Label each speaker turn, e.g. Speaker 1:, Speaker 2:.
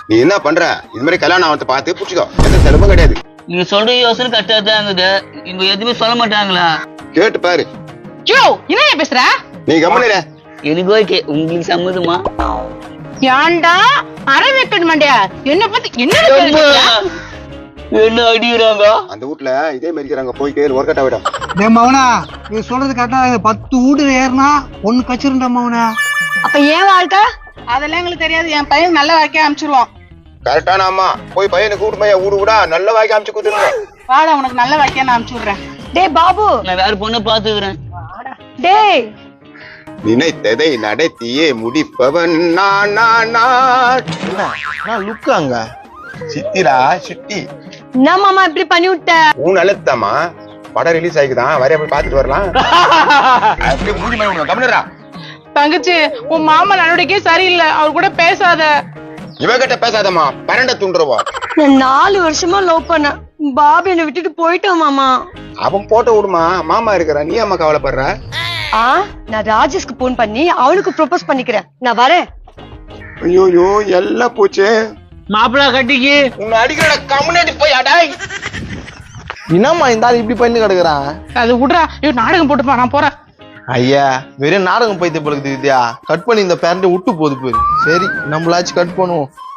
Speaker 1: நீ என்ன பண்ற? இது மாதிரி கல்யாணம் அவத்தை பார்த்து புடிச்சுக்கோ, எந்த செலவும் கிடையாது.
Speaker 2: நீங்க சொல்ற யோசனை கரெக்டா தான் இருக்குது. இவங்க எதுவுமே சொல்ல மாட்டாங்களா?
Speaker 1: கேட்டு பாரு.
Speaker 3: என்ன பேசுற?
Speaker 1: நீ கம்முனு.
Speaker 2: எனக்கு ஓகே, உங்களுக்கு சம்மதமா?
Speaker 3: ஏன்டா அரை வைக்கணும் மாண்டியா? என்ன பத்தி
Speaker 2: என்ன அடிக்கிறாங்க
Speaker 1: அந்த வீட்ல? இதே மாதிரி இருக்கிறாங்க, போய் கேளு, ஒர்க் அவுட் ஆகிடும்.
Speaker 4: டேய் மவனா, நீ சொல்றது கரெக்டா. 10 வீடு ஏறினா ஒண்ணு கச்சிருண்டா மவனா.
Speaker 3: அப்ப ஏன் வாழ்க்கை? அதெல்லாம் எங்களுக்கு தெரியாது. என் பையன் நல்ல வாழ்க்கையா அமைச்சிருவான்.
Speaker 1: கரெக்டான அம்மா, போய் பையனை கூட்டு போய் ஊடு கூட நல்ல வாய்க்கு அமைச்சு கொடுத்துருங்க.
Speaker 3: வாடா, உனக்கு நல்ல வாழ்க்கையா நான் அனுப்பிச்சு விடுறேன். டேய் பாபு,
Speaker 2: நான் வேற பொண்ணை பாத்துக்கிறேன்.
Speaker 3: டேய்
Speaker 1: நினைத்ததை நடத்தியே முடிப்பவன் நான்.
Speaker 4: லுக்காங்க
Speaker 1: சித்திரா சிட்டி,
Speaker 3: என்ன மாமா இப்படி பண்ணி விட்ட?
Speaker 1: உன் நல்லதுதாம்மா. படம் ரிலீஸ் ஆகிக்குதான், வரைய போய் பாத்துட்டு வரலாம். அப்படியே மூடி மாதிரி கம்முனுடா.
Speaker 3: தங்கச்சி, உன் மாமா நடவடிக்கை சரியில்லை, அவர் கூட பேசாத.
Speaker 1: இவகிட்ட பேசாதம்மா, பரண்ட துண்டுருவா.
Speaker 5: நான் 4 வருஷமா லவ் பண்ணேன். பாபு என்னை விட்டுட்டு போயிட்டான் மாமா.
Speaker 1: அவன் போட்ட விடுமா, மாமா இருக்கிறா, நீ அம்மா கவலைப்படுற?
Speaker 5: நான் ராஜேஷ்க்கு போன் பண்ணி அவனுக்கு ப்ரொபோஸ் பண்ணிக்கிறேன். நான் வரேன்.
Speaker 1: ஐயோ எல்லாம் போச்சு.
Speaker 2: மாப்பிள்ளை கட்டிக்கு
Speaker 1: உன்னை அடிக்கிற கம்முனேடி போய் அடாய்.
Speaker 4: என்னம்மா இந்த ஆள் இப்படி பண்ணி கிடக்குறான்?
Speaker 3: அது விடுறா, நாடகம் போட்டுப்பா, நான் போறேன்.
Speaker 4: ஐயா, வெறும் நாடகம் பைத்திய பழகுது வித்யா. கட் பண்ணி இந்த பேரண்ட விட்டு போகுது போய். சரி, நம்மளாச்சும் கட் பண்ணுவோம்.